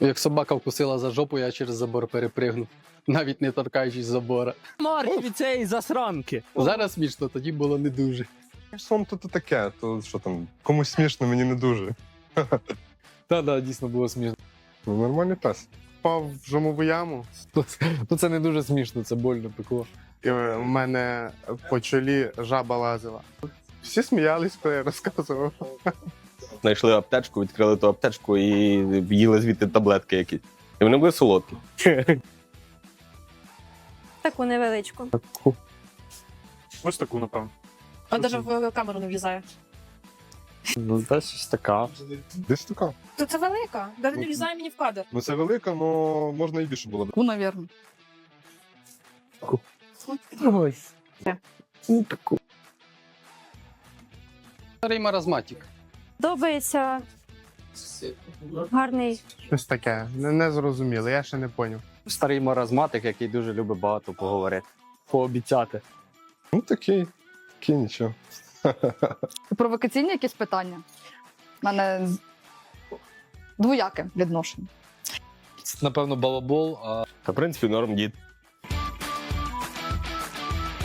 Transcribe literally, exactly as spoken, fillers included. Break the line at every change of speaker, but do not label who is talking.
Як собака вкусила за жопу, я через забор перепригнув, навіть не торкаючись забора.
Марки від цієї засранки.
Зараз смішно, тоді було не дуже.
Сон то, то таке, то що там, комусь смішно, мені не дуже.
Та-да, дійсно було смішно.
Ну, нормальний пес.
Впав в жомову яму,
Ну це не дуже смішно, це больно пекло.
і в мене по чолі жаба лазила. Всі сміялись, коли я розказував.
Знайшли аптечку, відкрили ту аптечку і їли звідти таблетки якісь. І вони були солодкі.
Таку невеличку.
Ось таку, напевно.
А навіть в камеру не влізає.
Ну, та щось така.
Десь така.
То це велика, навіть не влізає мені в кадр.
Ну це велика, але можна і більше було.
Ну, наверное.
Ось.
Старий маразматик.
Подобається. Гарний.
Щось таке, не, не зрозуміло, я ще не поняв.
Старий маразматик, який дуже любить багато поговорити. Пообіцяти.
Ну такий, такий нічого.
Провокаційні якісь питання? У мене з- двояке відношення.
Це, напевно, балабол, а
Та, в принципі, норм дід.